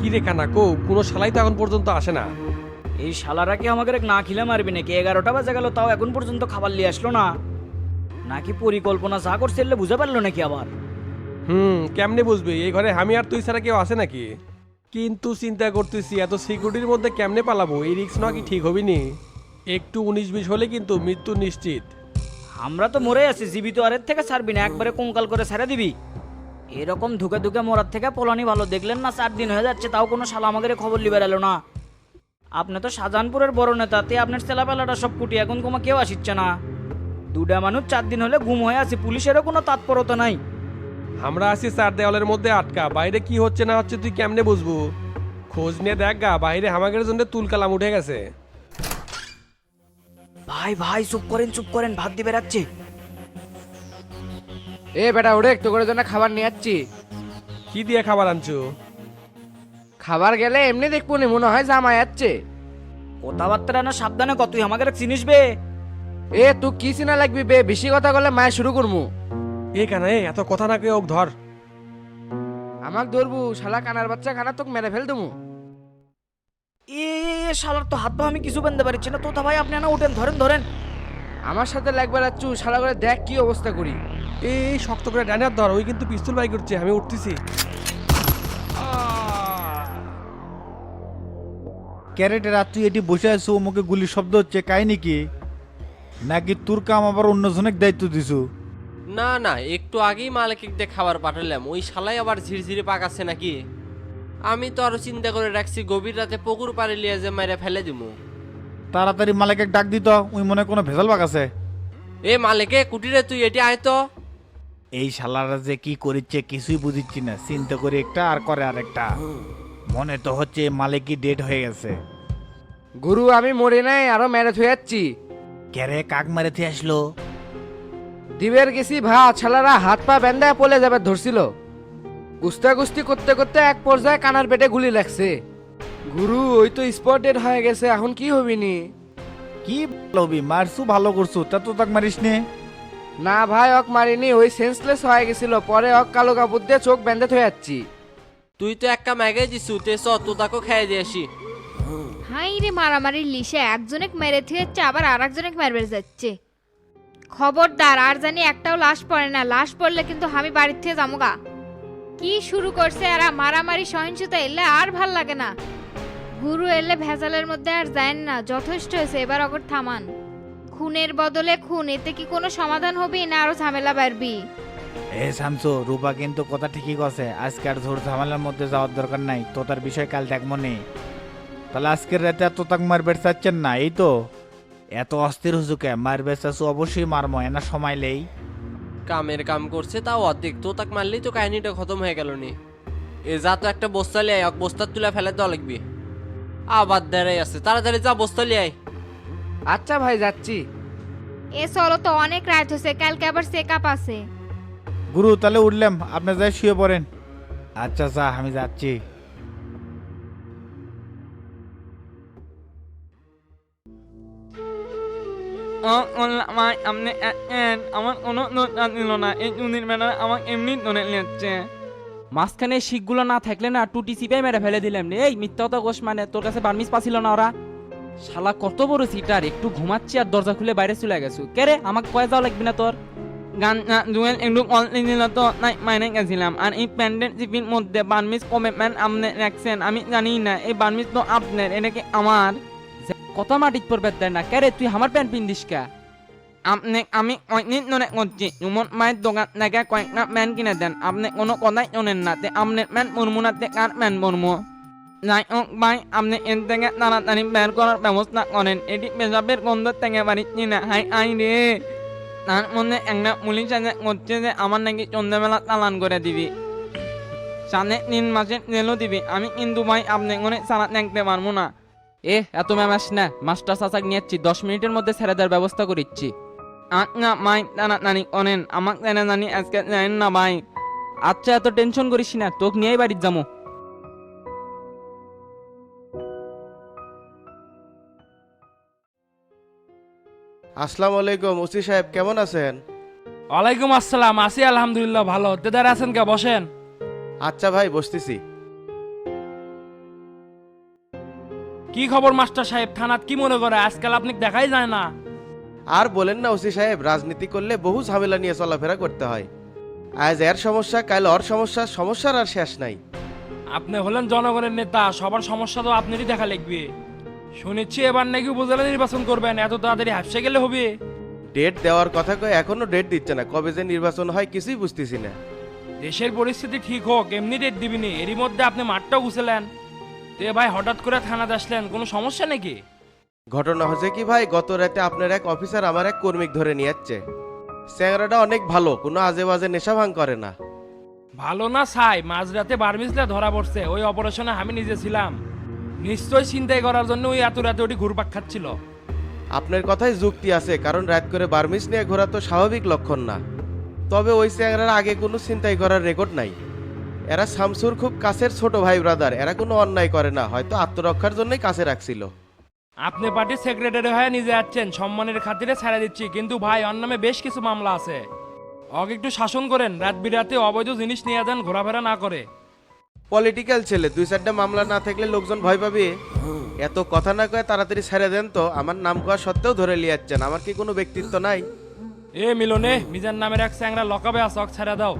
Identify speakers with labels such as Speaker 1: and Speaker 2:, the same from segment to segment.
Speaker 1: কি রে কানা কো কোনো শালাই তো এখন পর্যন্ত আসে না।
Speaker 2: এই শালারা কি আমাকে না খিলে মারবি নাকি? 11টা বাজে গেল তাও এখন পর্যন্ত খাবার নিয়ে আসলো না। নাকি পরিকল্পনা যা করছে বুঝে পারলো নাকি আবার?
Speaker 1: কেমনে বুঝবি এই ঘরে আমি আর তুই ছাড়া কেউ আছে নাকি? কিন্তু চিন্তা করতেছি এত সিকিউরিটির মধ্যে কেমনে পালাবো, এই রিস্ক না কি ঠিক হবি নি? একটু 19-20 হলে কিন্তু মৃত্যু নিশ্চিত।
Speaker 2: আমরা তো মরে আছি, জীবিত আরের থেকে ছাড়বি না, একবারে কঙ্কাল করে ছেড়ে দিবি। এরকম ধুকে ধুকে মরার থেকে পোলানি ভালো। দেখলেন না 4 দিন হয়ে যাচ্ছে তাও কোনো শালা আমাদের খবর লিবার এলো না। আপনি তো শাহজাহানপুরের বড় নেতা, তে আপনার ছেলাপেলাটা সব কুটি, এখন কোনো কেউ আসিচ্ছে না। দুটা মানুষ 4 দিন হলে গুম হয়ে আছে, পুলিশেরও কোনো তৎপরতা নাই।
Speaker 1: আমরা আছি 4 দেওয়ালের মধ্যে আটকা, বাইরে কি হচ্ছে না হচ্ছে তুই কেমনে বুঝবো? খোঁজ নিয়ে দেখ গা, বাইরে হামাগের জন্য তুলকালাম উঠে গেছে।
Speaker 2: ভাই ভাই চুপ করেন, ভাত দিয়ে বেড়াচ্ছে।
Speaker 3: এ বেটা ওরে একটু করে জন্য খাবার নিয়ে যাচ্ছি।
Speaker 1: কি দিয়ে খাবার আনছো?
Speaker 3: খাবার গেলে এমনি দেখবো নি, মনে হয় জামা যাচ্ছে।
Speaker 2: কথাবার্তা না সাবধানে কত, তুই আমাকে চিনিস বে?
Speaker 3: এ তুই কি চিনা লাগবি বে, বেশি কথা বলে মায়ের শুরু করবো।
Speaker 1: এ কানা এত কথা না কেউ ধর।
Speaker 3: আমাক ধরবু শালা কানার বাচ্চা, খানা তোকে মেরে ফেল দেবো।
Speaker 2: এ শালার তো হাত পা আমি কিছু বানতে পারছি না। তোতা ভাই আপনি না উঠেন, ধরেন।
Speaker 3: আমার সাথে লাগবে রাচ্ছু, শালা করে দেখ কি অবস্থা করি।
Speaker 1: এই শক্ত করে ডানে হাত ধর, ওই কিন্তু পিস্তল বাই করছে, আমি উঠতেছি।
Speaker 4: ক্যারেটের আর তুই এটি বসে আছো, মুখে গুলির শব্দ হচ্ছে, কাহিনী কি? নাকি তোর কাম আবার অন্যজনের দায়িত্ব দিছু?
Speaker 5: না না, একটু আগেই মালিক দিয়ে খাবার পাঠালাম, ওই শালাই আবার ঝিরঝিরে পাকাচ্ছে নাকি। আমি তো আরো চিন্তা করে রাখছি গভীর রাতে পুকুর পাড়ে লিয়ে যে মেরে ফেলে দিমু।
Speaker 4: তাড়াতাড়ি মালিকের ডাক দিত, ওই মনে কোনো ভেজাল বাগ আছে।
Speaker 5: এ মালিকে কুটিরে তুই এটি আয় তো।
Speaker 4: এই শালারা যে কি করিচ্ছে কিছুই বুঝিচ্ছি না, চিন্তা করে একটা আর করে আরেকটা। মনে তো হচ্ছে মালিকই ডেড হয়ে গেছে।
Speaker 3: গুরু আমি মরে নাই, আরো মেরে থুয়ে যাচ্ছি।
Speaker 4: ক্যারে কাক মারেতে আসলো?
Speaker 3: দিবের গেছি ভাত, শালারা হাত পা বেঁধায় পলে যাবে ধরছিল। কুস্তি করতে করতে এক পর্যায়ে কানার পেটে গুলি লাগছে। গুরু ওই তো স্পটেড হয়ে গেছে, এখন কি হবি নি?
Speaker 4: কি লবি মারছু, ভালো করছু, তা তো তাক মারিস নে।
Speaker 3: না ভাই অক মারিনি, ওই সেন্সলেস হয়ে গেছিল, পরে অক কালো কাপড় দিয়ে চোখ বেঁধে থয়ে যাচ্ছি।
Speaker 5: তুই তো একটা ম্যাগে দিছু, তে চ তোতাকে খেয়ে দিয়ে আসি।
Speaker 6: হাই রে মারামারির লিসে একজনেক মেরে থুয়েছে, আবার আর একজনেক মারবে যাচ্ছে। খবরদার আর জানি একটাও লাশ পড়ে না, লাশ পড়লে কিন্তু আমি বাড়ির থেকে যামুগা। কি শুরু করছে এরা, মারামারি সহিংসতা এলে আর ভাল লাগে না। গুরু এলে ভেজালের মধ্যে আর যায় না, যথেষ্ট হয়েছে, এবার অগর থামান। খুনের বদলে খুন, এতে কি কোনো সমাধান হবে না আরো ঝামেলা বাড়বি?
Speaker 4: এ শামসু, রূপা কিন্তু কথা ঠিকই কছে, আজকে আর ঝোর ঝামেলার মধ্যে যাওয়ার দরকার নাই, তো তার বিষয় কাল দেখ মনে। তাহলে আজকের রাতে আর তো তাক মারবে চাচ্ছেন না, এই তো? এত অস্থির হুজুকে মারবে চাচ্ছু, অবশ্যই মারমো, এনা সময় লেই।
Speaker 5: কামের কাম করছে তাও অর্ধেক, তো তাক মারলেই তো কাহিনীটা খতম হয়ে গেল নি। এ যা তো একটা বস্তা লিয়ে আয়, বস্তা তুলে ফেলে দেওয়া লাগবে। আবার দাঁড়াই আছে, তাড়াতাড়ি যা বস্তা লিয়ে আয়।
Speaker 3: আচ্ছা ভাই যাচ্ছি।
Speaker 6: এ চলো তো, অনেক রাত হয়েছে, কালকে আবার চেক আপ আছে।
Speaker 4: গুরু তাহলে উঠলাম, আপনি যাই শুয়ে পড়েন। আচ্ছা যা, আমি যাচ্ছি।
Speaker 7: আমার কোনো নোটা দিল না, এই চুনির ম্যাডাম আমাকে এমনি ধরে নিচ্ছে। মাঝখানে শিখগুলো না থাকলে না টুটি চিপে মেরে ফেলে দিলাম রে। এই মিথ্যা কথা কোষ, মানে তোর কাছে বার্মিস পাছিল না ওরা? শালা কত বড় সিটার, একটু ঘুমাচ্ছি আর দরজা খুলে বাইরে চলে গেছো। কে রে, আমাকে কয়ে যাওয়া লাগবে না তোর? গান জুয়েল একটু কল দিল তো, তাই মাইনে গেছিলাম। আর এই প্যান্ডেন্ট জিপির মধ্যে বার্মিস কমিটমেন্ট আপনি রাখছেন, আমি জানি না এই বার্মিস তো আপনার, এটা কি আমার? কত মাটিত পড়বে দেয় না। কে রে, তুই আমার প্যান্ট পিন্দিস কা? আপনি আমি কয়েকদিন ধরে করছি, উমর মায়ের দোকান থেকে কয়েকটা প্যান্ট কিনে দেন, আপনি কোনো কথাই শোনেন না। তে আপনার প্যান্ট মরমু না, তে কার প্যান্ট মরমু? যাই হোক ভাই, আপনি এর থেকে তাড়াতাড়ি বের করার ব্যবস্থা করেন, এটি পেশাবের গন্ধ থেকে পারিচ্ছি না। হাই আই রে, তার মধ্যে একটা পুলিশ আছে করছে যে আমার নাকি সন্ধ্যাবেলা চালান করে দিবি, 3.5 মাসের জেলও দিবি। আমি কিন্তু ভাই আপনি করে চালা দেখতে পারবো না। এত ম্যামাস না, মাস্টার চাচাক নিয়েছি, 10 মিনিটের মধ্যে ছেড়ে দেওয়ার ব্যবস্থা করিচ্ছি। আচ্ছা ভাই তাড়াতাড়ি করেন, আমাকে জানা জানি আজকে জানেন না ভাই। আচ্ছা এত টেনশন করিস না, তোকে নিয়েই বাড়ির যাবো।
Speaker 8: আসসালামু আলাইকুম, ওসি সাহেব কেমন আছেন?
Speaker 9: ওয়ালাইকুম আসসালাম, আছি আলহামদুলিল্লাহ ভালো। তেদার আছেন কে, বসেন।
Speaker 8: আচ্ছা ভাই বসতেছি।
Speaker 9: কি খবর মাস্টার সাহেব, থানাত কি মনে করে আজকাল আপনি দেখাই যায় না?
Speaker 8: আর বলেন না ওসি সাহেব, রাজনীতি করলে বহু ঝামেলা নিয়ে চলাফেরা করতে হয়। আজ এর সমস্যা, কাল ওর সমস্যা, সমস্যার আর শেষ নাই।
Speaker 9: আপনি হলেন জনগণের নেতা, সবার সমস্যা তো আপনারই দেখা লাগবে। শুনেছি এবার নাকি উপজেলা নির্বাচন করবেন, এত তাড়াতাড়ি হাফসে গেলে হবে?
Speaker 8: ডেট দেওয়ার কথা কয়ে এখনো ডেট দিচ্ছে না, কবে যে নির্বাচন হয় কিছুই বুঝতেছি না।
Speaker 9: দেশের পরিস্থিতি ঠিক হোক এমনি ডেট দিবিনি, এরই মধ্যে আপনি মাঠটাও গুছলেন। তে ভাই হঠাৎ করে থানাতে আসলেন, কোনো সমস্যা নাকি?
Speaker 8: ঘটনা হচ্ছে কি ভাই, গত রাতে আপনার এক অফিসার আমার এক কর্মীক ধরে নিয়ে যাচ্ছে। চ্যাংরাটা অনেক ভালো, কোনো আজে বাজে নেশা ভাঙ করে না।
Speaker 9: ভালো না ছাই, মাঝরাতে বার্মিসলে ধরা পড়ছে, ওই অপারেশনে আমি নিজে ছিলাম। নিশ্চয় চিন্তাই করার জন্য ওই এত রাতে ওটি ঘুরপাক খাচ্ছিল।
Speaker 8: আপনার কথায় যুক্তি আছে, কারণ রাত করে বার্মিস নিয়ে ঘোরা তো স্বাভাবিক লক্ষণ না। তবে ওই চ্যাংরার আগে কোনো চিন্তাই করার রেকর্ড নাই। এরা শামসুর খুব কাছের ছোট ভাই ব্রাদার, এরা কোনো অন্যায় করে না, হয়তো আত্মরক্ষার জন্যই কাছে রাখছিল।
Speaker 9: আপনি পার্টির সেক্রেটারি হয়ে নিজে যাচ্ছেন, সম্মানের খাতিরে ছেড়ে দিচ্ছি, কিন্তু ভাই ওর নামে বেশ কিছু মামলা আছে। ওকে একটু শাসন করেন, রাত বিরাতে অবৈধ জিনিস নিয়ে যান, ঘোরাফেরা না করে।
Speaker 8: পলিটিক্যাল ছেলে, 2-4টা মামলা না থাকলে লোকজন ভয় পাবে। এত কথা না কয়ে তাড়াতাড়ি ছেড়ে দেন তো, আমার নাম করা সত্ত্বেও ধরে নিয়ে যাচ্ছেন, আমার কি কোনো ব্যক্তিত্ব নাই?
Speaker 9: এ মিলনে মিজান নামের এক চ্যাংরা লকাবে আছে, ওকে ছেড়ে দাও।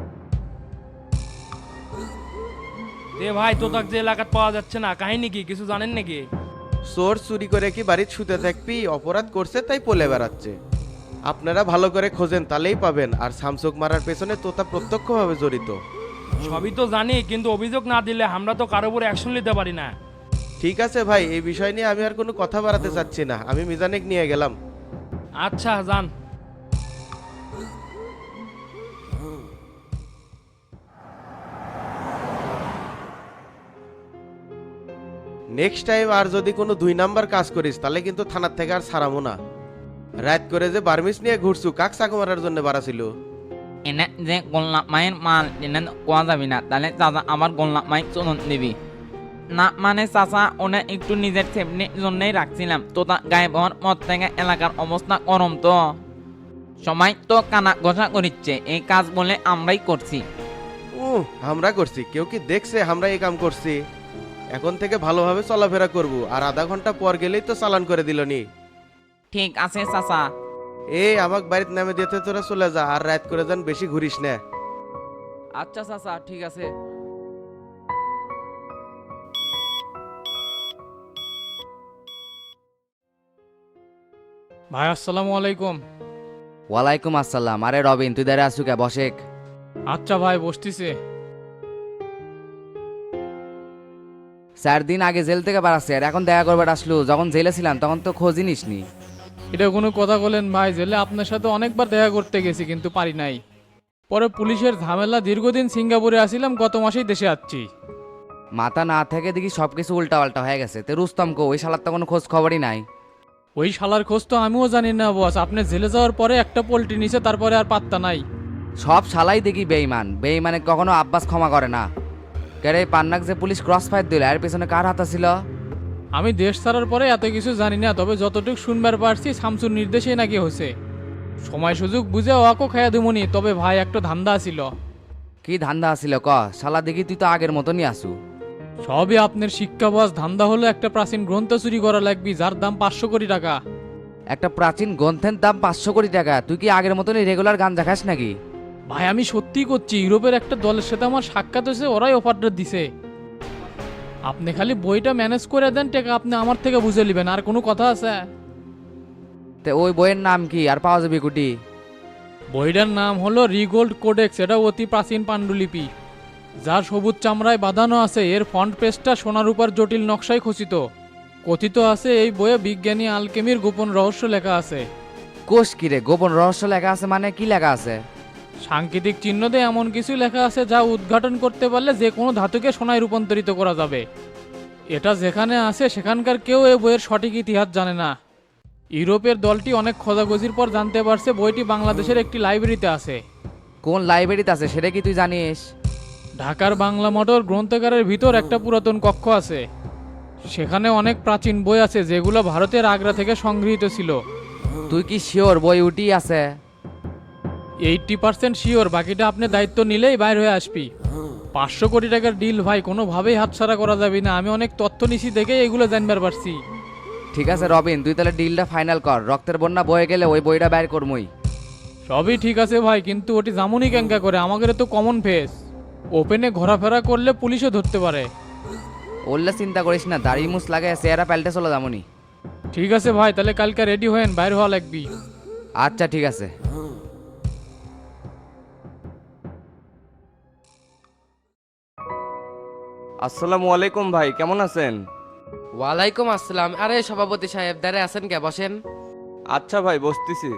Speaker 9: এ ভাই তোতাক যে এলাকাত পাওয়া যাচ্ছে না, কাহিনী কি কিছু জানেন নাকি?
Speaker 8: চোর চুরি করে কি বাড়িতে শুতে থাকবি? অপরাধ করছে তাই পলে বেড়াচ্ছে। আপনারা ভালো করে খোঁজেন, তাহলেই পাবেন। আর শামসুক মারার পেছনে তোতা প্রত্যক্ষভাবে জড়িত।
Speaker 9: সবই তো জানি, কিন্তু অভিযোগ না দিলে আমরা তো কারোর উপর অ্যাকশন নিতে পারি না।
Speaker 8: ঠিক আছে ভাই, এই বিষয় নিয়ে আমি আর কোনো কথা বাড়াতে চাচ্ছি না, আমি মিজানেক নিয়ে গেলাম।
Speaker 9: আচ্ছা যান।
Speaker 8: নেক্সট টাইম আর যদি কোনো 2 নাম্বার কাজ করিস তাহলে কিন্তু থানার থেকে আর ছাড়াবো না। রাত করে যে বার্মিস নিয়ে ঘুরছু, কাক চাকু মারার জন্য বাড়াছিল?
Speaker 7: এনে যে গোল্লা মায়ের মাল এনে কোয়া যাবি না, তাহলে চাচা আবার গোল্লা মাই চলন দিবি না। মানে চাচা ওনে একটু নিজের সেফটির জন্যই রাখছিলাম, তো তা গায়েব হওয়ার পর থেকে এলাকার অবস্থা গরম, তো সবাই তো কানা ঘষা করিচ্ছে, এই কাজ বলে আমরাই করছি।
Speaker 8: আমরা করছি? কেউ কি দেখছে আমরা এই কাম করছি? এখন থেকে ভালোভাবে চলাফেরা করব, আর আধা ঘন্টা পর গেলেই তো চালান করে দিল নি।
Speaker 7: ঠিক আছে চাচা।
Speaker 8: এই আমাক বাড়িতে নামে দিতে তোরা চলে যা, আর রাত করে যান বেশি ঘুরিস না।
Speaker 7: আচ্ছা চাচা ঠিক আছে।
Speaker 10: ভাই আসসালামু আলাইকুম।
Speaker 3: ওয়ালাইকুম আসসালাম। আরে রবিন, তুই দাঁড়িয়ে আসু কে? বসেক।
Speaker 10: আচ্ছা ভাই বসতিছে।
Speaker 3: 4 দিন আগে জেল থেকে বাড়াচ্ছে, আর এখন দেখা করবে আসলো। যখন জেলে ছিলাম তখন তো খোঁজই নিসনি।
Speaker 10: এটা কোনো কথা বলেন ভাই? জেলে আপনার সাথে অনেকবার দেখা করতে গেছি কিন্তু পারি নাই। পরে পুলিশের ঝামেলা, দীর্ঘদিন সিঙ্গাপুরে আসিলাম, গত মাসেই দেশে আসছি।
Speaker 3: মাথা না থেকে দেখি সবকিছু উল্টা পাল্টা হয়ে গেছে। তে রুস্তম কো? ওই শালার তো কোনো খোঁজ খবরই নাই।
Speaker 10: ওই শালার খোঁজ তো আমিও জানি না বস। আপনি জেলে যাওয়ার পরে একটা পোল্ট্রি নিছে, তারপরে আর পাত্তা নাই।
Speaker 3: সব শালাই দেখি বেইমান, বেইমানে কখনো আব্বাস ক্ষমা করে না। কেরে পান্নাক যে পুলিশ ক্রস ফায়ার দিল, এর পেছনে কার হাত ছিল?
Speaker 10: আমি দেশ ছাড়ার পরে এত কিছু জানি না, তবে যতটুকু শুনবার পারছি শামসুর নির্দেশেই নাকি হয়েছে। সময় সুযোগ বুঝে ওয়াকো খাইয়া দিমুনি, তবে ভাই একটা ধান্দা ছিল।
Speaker 3: কি ধান্দা আছিল ক? শালা দেখি তুই তো আগের মতনই আসু।
Speaker 10: সবই আপনার শিক্ষা বস। ধান্দা হলো একটা প্রাচীন গ্রন্থ চুরি করা লাগবে, যার দাম 500 কোটি টাকা।
Speaker 3: একটা প্রাচীন গ্রন্থের দাম 500 কোটি টাকা? তুই কি আগের মতনই রেগুলার গাঞ্জা খাস নাকি?
Speaker 10: ভাই আমি সত্যি করছি, ইউরোপের একটা দলের সাথে আমার সাক্ষাৎ হয়েছে, ওরাই অফারটা দিছে। আপনি খালি বইটা ম্যানেজ করে দেন, টাকা আপনি আমার থেকে বুঝে নেবেন। আর কোনো কথা আছে?
Speaker 3: তে ওই বইয়ের নাম কি, আর পাওয়া যাবে কুটি?
Speaker 10: বইটার নাম হলো রিগোল্ড কোডেক্স। এটা অতি প্রাচীন পাণ্ডুলিপি, যার সবুজ চামড়ায় বাঁধানো আছে। এর ফন্ট পেজটা সোনার উপর জটিল নকশায় খচিত। কথিত আছে এই বইয়ে বিজ্ঞানী আলকেমির গোপন রহস্য লেখা আছে।
Speaker 3: কোষ কিরে গোপন রহস্য লেখা আছে? মানে কি লেখা আছে?
Speaker 10: সাংকেতিক চিহ্ন দিয়ে এমন কিছু লেখা আছে যা উদ্ঘাটন করতে পারলে যে কোনো ধাতুকে সোনায় রূপান্তরিত করা যাবে। এটা যেখানে আছে সেখানকার কেউ এই বইয়ের সঠিক ইতিহাস জানে না। ইউরোপের দলটি অনেক খোঁজাখুঁজির পর জানতে পারছে বইটি বাংলাদেশের একটি লাইব্রেরিতে আছে।
Speaker 3: কোন লাইব্রেরিতে আছে সেটা কি তুই জানিস?
Speaker 10: ঢাকার বাংলা মোটর গ্রন্থাগারের ভিতর একটা পুরাতন কক্ষ আছে। সেখানে অনেক প্রাচীন বই আছে যেগুলো ভারতের আগ্রা থেকে সংগৃহীত ছিল।
Speaker 3: তুই কি শিওর বই উঠি আছে?
Speaker 10: 80% শিওর, বাকিটা আপনি দায়িত্ব নিলেই বাইর হয়ে আসবি। 500 কোটি টাকার ডিল ভাই, কোনোভাবেই হাতছাড়া করা যাবে না। আমি অনেক তথ্য নিছি দেখে এগুলো জানবার পারছি।
Speaker 3: ঠিক আছে রবিন, তুই তাহলে ডিলটা ফাইনাল কর। রক্তের বন্যা বয়ে গেলে ওই বইটা বের করমই।
Speaker 10: সবই ঠিক আছে ভাই, কিন্তু ওটি জামুনি ক্যাঙ্কা করে, আমাদের তো কমন ফেস। ওপেনে ঘোরাফেরা করলে পুলিশও ধরতে পারে।
Speaker 3: ওল্লা চিন্তা করিস না, দাড়ি মুছ লাগে চেহারা পাল্টে চলো জামুনি।
Speaker 10: ঠিক আছে ভাই, তাহলে কালকে রেডি হয়েন, বাইর হওয়া লাগবি।
Speaker 3: আচ্ছা ঠিক আছে।
Speaker 11: আসসালামু আলাইকুম ভাই, কেমন আছেন?
Speaker 5: ওয়ালাইকুম আসসালাম। আরে সভাপতি সাহেব দাঁড়ে আছেন কে, বসেন।
Speaker 11: আচ্ছা ভাই, বসতেছি।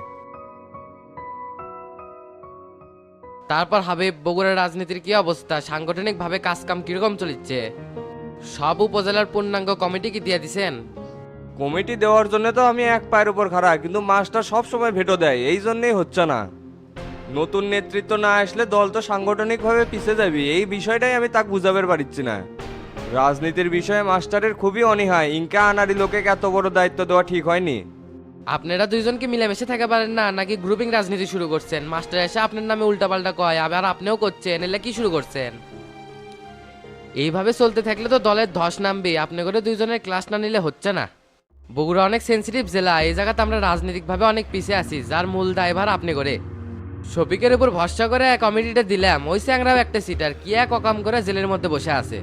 Speaker 5: তারপর হাবিব, বগুড়ার রাজনীতির কি অবস্থা? সাংগঠনিক ভাবে কাজ কাম কিরকম চলিচ্ছে? সব উপজেলার পূর্ণাঙ্গ কমিটি কি দিয়ে দিছেন?
Speaker 11: কমিটি দেওয়ার জন্য তো আমি এক পায়ের উপর খাড়া, কিন্তু মাস্টার সব সময় ভেটো দেয়, এই জন্যই হচ্ছে না। নতুন নেতৃত্ব না আসলে দল তো সাংগঠনিকভাবে পিছিয়ে যাবে, এই বিষয়টাই আমি তাকে বুঝাবার পারছি না। রাজনীতির বিষয়ে মাস্টারের খুবই অনীহা, ইনকা আনারি লোকে এত বড় দায়িত্ব দেওয়া ঠিক হয়নি।
Speaker 5: আপনারা দুইজন কি মিলেমিশে থাকা পারেন না, নাকি গ্রুপিং রাজনীতি শুরু করছেন? মাস্টার এসে আপনার নামে উল্টাপাল্টা কয়, আবার আপনিও করছেন, এলে কি শুরু করছেন? এইভাবে চলতে থাকলে তো দলের ধস নামবে। আপনি করে দুইজনের ক্লাস না নিলে হচ্ছে না। বগুড়া অনেক সেন্সিটিভ জেলা, এই জায়গাতে আমরা রাজনৈতিকভাবে অনেক পিছিয়ে আছি, যার মূল দায়ভার আপনি করে। শফিকের উপর ভরসা করে কমিটিটা দিলাম, ওই স্যাংরাও একটা সিটার কি এক অকাম করে জেলের মধ্যে বসে আছে।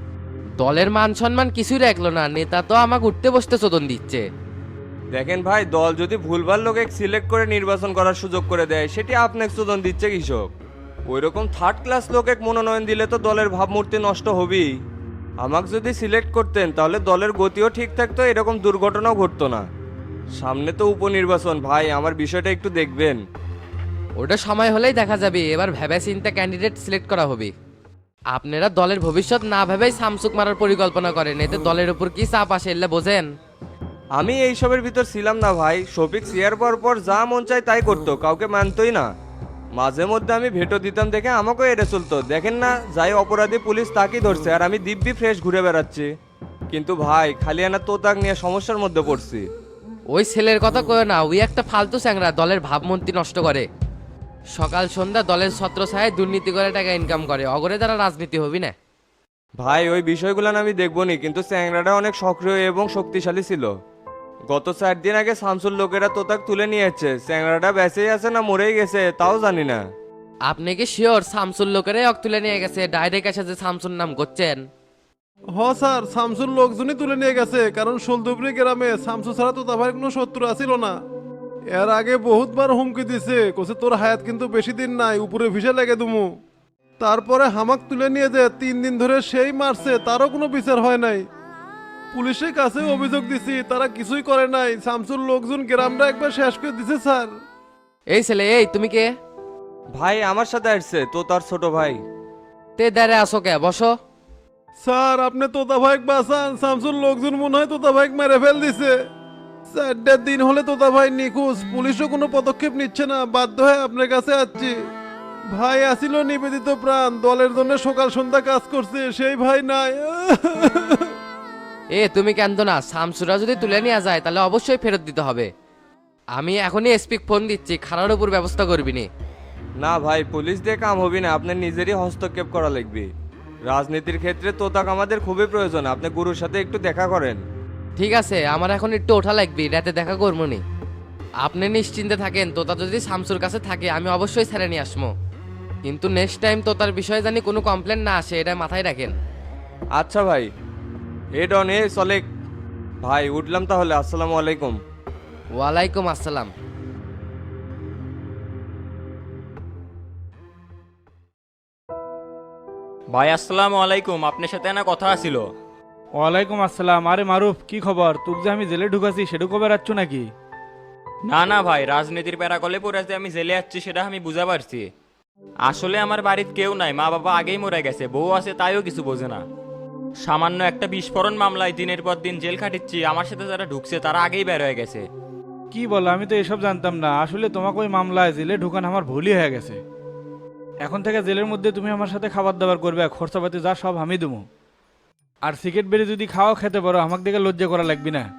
Speaker 5: দলের মান সম্মান কিছুই রাখলো না, নেতা তো আমাকে উঠতে বসতে চোদন দিচ্ছে।
Speaker 11: দেখেন ভাই, দল যদি ভুলভাল লোকে সিলেক্ট করে নির্বাচন করার সুযোগ করে দেয়, সেটি আপনাকে চোদন দিচ্ছে কৃষক। ওই রকম থার্ড ক্লাস লোকে মনোনয়ন দিলে তো দলের ভাবমূর্তি নষ্ট হবেই। আমাকে যদি সিলেক্ট করতেন তাহলে দলের গতিও ঠিক থাকতো, এরকম দুর্ঘটনাও ঘটতো না। সামনে তো উপনির্বাচন ভাই, আমার বিষয়টা একটু দেখবেন।
Speaker 5: ওটা সময় হলেই দেখা যাবে, এবার ভেবে চিন্তা ক্যান্ডিডেট সিলেক্ট করা হবে। আপনারা দলের ভবিষ্যৎ না ভেবেই সামসুক মারার পরিকল্পনা করেন, এতে দলের উপর কি চাপ আসে এলে বোঝেন?
Speaker 11: আমি এইসবের ভিতর ছিলাম না ভাই, শফিক সিয়ার পর যা মন চায় তাই করতো, কাউকে মানতোই না। মাঝে মধ্যে আমি ভেটো দিতাম দেখে আমাকেও এড়ে চলতো। দেখেন না, যাই অপরাধী পুলিশ তাকেই ধরছে, আর আমি দিব্যি ফ্রেশ ঘুরে বেড়াচ্ছি। কিন্তু ভাই, খালি আনা তোতাক নিয়ে সমস্যার মধ্যে পড়ছি।
Speaker 5: ওই ছেলের কথা কয় না, ওই একটা ফালতু চ্যাংরা, দলের ভাবমূর্তি নষ্ট করে। সকাল সন্ধ্যা দলের ছত্রছায়ায় দুর্নীতি করে টাকা ইনকাম করে, অগরে দ্বারা রাজনীতি হবি না।
Speaker 11: ভাই, ওই বিষয়গুলো আমি দেখবনি, কিন্তু চ্যাংরাটা অনেক সক্রিয় এবং শক্তিশালী ছিল। গত 4 দিন আগে শামসুর লোকেরা তোতাক তুলে নিয়েছে, চ্যাংরাটা বেঁচেই আছে না মরেই গেছে তাও জানি না।
Speaker 5: আপনি কি শিওর শামসুর লোকেরাই অক তুলে নিয়ে গেছে? ডাইরেক্ট এসে যে শামসুর নাম করছেন।
Speaker 12: হ স্যার, শামসুর লোকজনই তুলে নিয়ে গেছে, কারণ সোলদুবরি গ্রামে শামসু ছাড়া তো তার কোনো শত্রু আসিল না। এর আগে বহুতবার হুমকি দিছে, কোসে তোর হায়াত কিন্তু বেশি দিন নাই, উপরে ভিসা লেগে দুমু। তারপরে হামাক তুলে নিয়ে যে 3 দিন ধরে সেই মারছে, তারও কোনো বিচার হয় নাই। পুলিশের কাছে অভিযোগ দিছি, তারা কিছুই করে নাই। শামসুর লোকজন গ্রামটা একবার শেষ করে দিছে স্যার।
Speaker 5: এই ছেলে, এই তুমি কে?
Speaker 11: ভাই আমার সাথে আসছে তো তার ছোট ভাই।
Speaker 5: তে দাঁড়ে আসো কে, বসো।
Speaker 12: স্যার, আপনি তোতা ভাইক বাঁচান, শামসুর লোকজন মনে হয় তোতা ভাইক মেরে ফেল দিছে। 4 দিন হলে তোতা ভাই নিখোঁজ, পুলিশও কোনো পদক্ষেপ নিচ্ছে না, বাধ্য হয়ে আপনার কাছে আসছি। ভাই আসিল নিবেদিত প্রাণ, দলের জন্য সকাল সন্ধ্যা কাজ করছে, সেই ভাই নাই।
Speaker 5: এ তুমি কেন না, শামসুরা যদি তুলে নিয়ে যায় তাহলে অবশ্যই ফেরত দিতে হবে। আমি এখনই এসপি ফোন দিচ্ছি, খারার উপর ব্যবস্থা করবি নি।
Speaker 11: না ভাই, পুলিশ দিয়ে কাম হবি না, আপনার নিজেরই হস্তক্ষেপ করা লাগবে। রাজনীতির ক্ষেত্রে তোতাক আমাদের খুবই প্রয়োজন, আপনি গুরুর সাথে একটু দেখা করেন।
Speaker 5: ঠিক আছে, আমার এখন একটু ওঠা লাগবে, রাতে দেখা করবো নি। আপনি নিশ্চিন্তে থাকেন, তোতা যদি শামসুর কাছে থাকে আমি অবশ্যই ছেড়ে নিয়ে আসবো, কিন্তু নেক্সট টাইম তোতার বিষয়ে জানি কোনো কমপ্লেন না আসে, এটা মাথায় রাখেন।
Speaker 11: আচ্ছা ভাই। এ ডন, এ চলে ভাই, উঠলাম তাহলে। আসসালামু আলাইকুম।
Speaker 5: ওয়ালাইকুম আসসালাম।
Speaker 13: ভাই আসসালামু আলাইকুম, আপনার সাথে না কথা আছিল।
Speaker 9: ওয়ালাইকুম আসসালাম। আরে মারুফ, কি খবর? তুই যে আমি জেলে ঢুকাছি সেটা কবে রাখছো নাকি?
Speaker 13: না না ভাই, রাজনীতির প্যারাকলে পড়ে যে আমি জেলে যাচ্ছি সেটা আমি বুঝা পারছি। আসলে আমার বাড়িতে কেউ নাই, মা বাবা আগেই মরে গেছে, বউ আছে তাইও কিছু বোঝে না। সামান্য একটা বিস্ফোরণ মামলায় দিনের পর দিন জেল খাটিচ্ছি, আমার সাথে যারা ঢুকছে তারা আগেই বের হয়ে গেছে।
Speaker 9: কি বলো, আমি তো এসব জানতাম না। আসলে তোমাকে ওই মামলায় জেলে ঢুকান আমার ভুলই হয়ে গেছে। এখন থেকে জেলের মধ্যে তুমি আমার সাথে খাবার দাবার করবে, খরচাপাতি যা সব আমি দেবো। আর সিগারেট বেড়ে যদি খাওয়া খেতে পারো, আমাকে দেখে লজ্জা করা লাগবে না।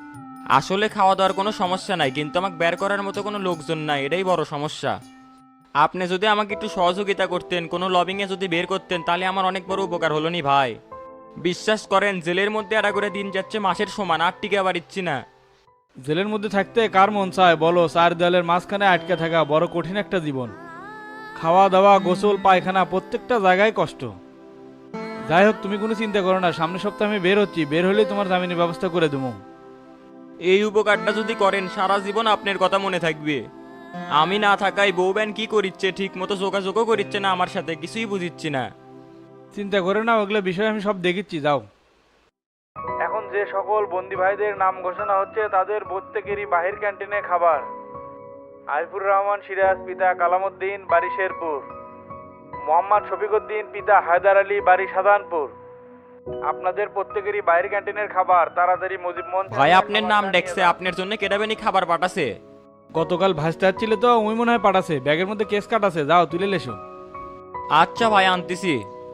Speaker 13: আসলে খাওয়া দাওয়ার কোনো সমস্যা নাই, কিন্তু আমাকে বের করার মতো কোনো লোকজন নাই, এটাই বড় সমস্যা। আপনি যদি আমাকে একটু সহযোগিতা করতেন, কোনো লবিংয়ে যদি বের করতেন, তাহলে আমার অনেক বড় উপকার হলো নি ভাই। বিশ্বাস করেন, জেলের মধ্যে একটা করে দিন যাচ্ছে মাসের সমান, আর টিকে পারিচ্ছি না।
Speaker 9: জেলের মধ্যে থাকতে কার মন চায় বলো? চার দেয়ালের মাঝখানে আটকে থাকা বড় কঠিন একটা জীবন। খাওয়া দাওয়া, গোসল, পায়খানা প্রত্যেকটা জায়গায় কষ্ট। যাই হোক, তুমি কোনো চিন্তা করো না, সামনের সপ্তাহে আমি বের হচ্ছি, বের হলেই তোমার জামিনের ব্যবস্থা করে দেবো।
Speaker 13: এই উপকারটা যদি করেন, সারা জীবন আপনার কথা মনে থাকবে। আমি না থাকায় বউ ব্যান কি করিচ্ছে, ঠিক মতো যোগাযোগও করিচ্ছে না আমার সাথে, কিছুই বুঝিচ্ছি না।
Speaker 9: চিন্তা করে না, ওগুলো বিষয় আমি সব দেখিচ্ছি, যাও। এখন যে সকল বন্দি ভাইদের নাম ঘোষণা হচ্ছে তাদের প্রত্যেকেরই বাহির ক্যান্টিনে খাবার। আরিফুর রহমান সিরাজ, পিতা কালামুদ্দিন, বাড়ি শেরপুর। মোহাম্মদ শফিকুদ্দিন, পিতা হায়দার আলী, বাড়ি সাধারণপুর। আপনাদের প্রত্যেকেরই বাইরের ক্যান্টিনের খাবার তাড়াতাড়ি মুজিব মঞ্চ।
Speaker 13: ভাই আপনার নাম দেখছে, আপনার জন্য কেটাবেনি খাবার পাঠাছে।
Speaker 9: গতকাল ভাসতে আসছিল তো, ওই মনে হয় পাঠাছে, ব্যাগের মধ্যে কেস কাট আছে, যাও তুলে লেসো।
Speaker 13: আচ্ছা ভাই, আনতেছি।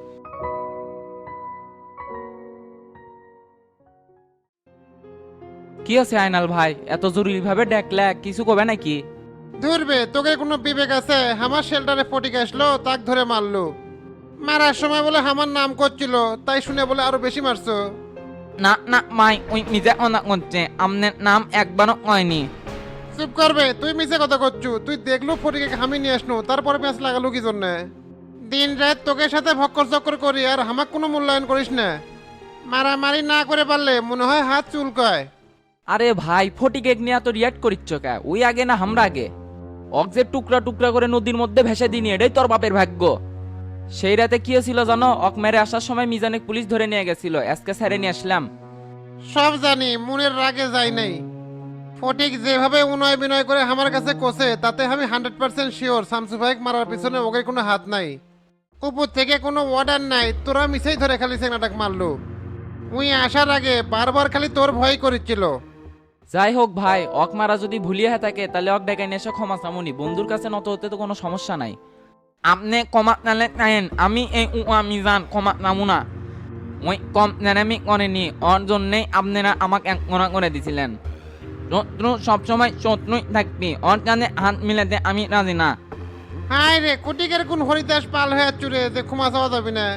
Speaker 7: কি আছে আয়নাল ভাই, এত জরুরি ভাবে ডাকলে, কিছু কবে নাকি?
Speaker 12: ধরবে তোকে কোনো বিবেক আছে? আমার শেল্টারে ফটিক আসলো, তাক ধরে মারলো। মারার সময় বলে আমার নাম করছিল, তাই শুনে বলে আরো বেশি মারছো।
Speaker 7: না না মাই, ওই নিজে অনা করছে, আপনার নাম একবারও হয়নি।
Speaker 12: চুপ করবে, তুই মিছে কথা করছু। তুই দেখলো ফটিকে আমি নিয়ে আসনো, তারপরে প্যাঁচ লাগালো কি জন্য? দিন রাত তোকে সাথে ভক্কর চক্কর করি, আর আমাক কোনো মূল্যায়ন করিস না। মারামারি না করে পারলে মনে হয় হাত চুলকায়।
Speaker 7: আরে ভাই, ফটিকে নিয়ে তো রিয়াক্ট করিচ্ছ কে? ওই আগে না আমরা আগে? অক যে টুকরা টুকরা করে নদীর মধ্যে ভেসে দিনি, এটাই তোর বাপের ভাগ্য। সেই রাতে কি হয়েছিল জানো? অক মেরে আসার সময় মিজানে পুলিশ ধরে নিয়ে গেছিল, আজকে ছেড়ে নিয়ে আসলাম।
Speaker 12: সব জানি, মনের রাগে যাই নাই। ফটিক যেভাবে উনয় বিনয় করে আমার কাছে কোসে, তাতে আমি 100% শিওর শামসু ভাইক মারার পিছনে ওকে কোনো হাত নাই। উপর থেকে কোনো অর্ডার নাই, তোরা মিছেই ধরে খালি সেনাটাক মারলো। উই আসার আগে বারবার খালি তোর ভয় করেছিল।
Speaker 7: যাই হোক ভাই, অক মারা যদি ভুলিয়ে থাকে তাহলে অক ডেকে নিয়ে এসে ক্ষমা চামুনি, বন্ধুর কাছে নত হতে তো কোনো সমস্যা নাই। আপনি ক্ষমা নালে নাইন, আমি এই মিজান ক্ষমা নামু না। ওই কম নেনামি করেনি, ওর জন্যেই আপনারা আমাকে এক মনা করে দিছিলেন। শত্রু সবসময় শত্রুই থাকবি, ওর কানে হাত মিলাতে আমি রাজি না।
Speaker 12: হাই রে, কুটিকের কোন হরিদাস পাল হয়ে চুরে যে ক্ষমা চাওয়া যাবে না।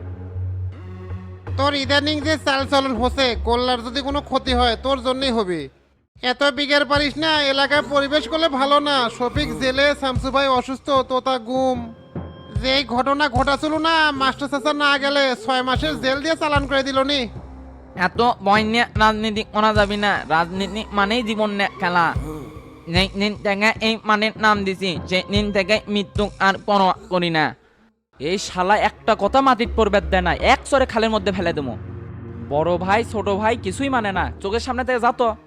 Speaker 12: তোর ইদানিং যে চাল চলন হচ্ছে, কল্যার যদি কোনো ক্ষতি হয় তোর জন্যই হবে। এত বিঘের পারিস না, এলাকায় পরিবেশ করলে ভালো না। শফিক জেলে, শামসু ভাই অসুস্থ, তোতা গুম। যে এই ঘটনা ঘটাছিল না, মাস্টার চাচা না গেলে 6 মাসের জেল দিয়ে চালান করে দিল নি।
Speaker 7: এত ভয় নিয়ে রাজনীতি করা যাবি না, রাজনীতি মানেই জীবন নিয়ে খেলা। যেই দিন থেকে এই মানের নাম দিছি, সেই দিন থেকে মৃত্যু আর পরোয়া করি না। এই শালা একটা কথা মাটির পড়বে দেয় না, এক সরে খালের মধ্যে ফেলে দেবো। বড় ভাই ছোট ভাই কিছুই মানে না, চোখের সামনে থেকে যা তো।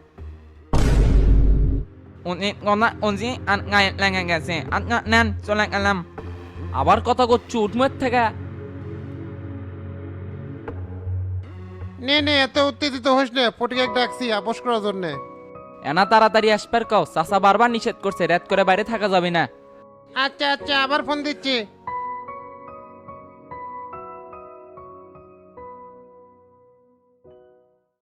Speaker 7: লেগে গেছে, নেন চলে গেলাম। আবার কথা করছু উঠমের থেকে।
Speaker 12: নে নে, এত উত্তেজিত হইস না, ফটিকে ডাকছি আপোষ করার জন্য।
Speaker 7: এনা তাড়াতাড়ি আসবার কও, চাচা বারবার নিষেধ করছে, রাত করে বাইরে থাকা যাবে না।
Speaker 12: আচ্ছা আচ্ছা, আবার ফোন দিচ্ছি।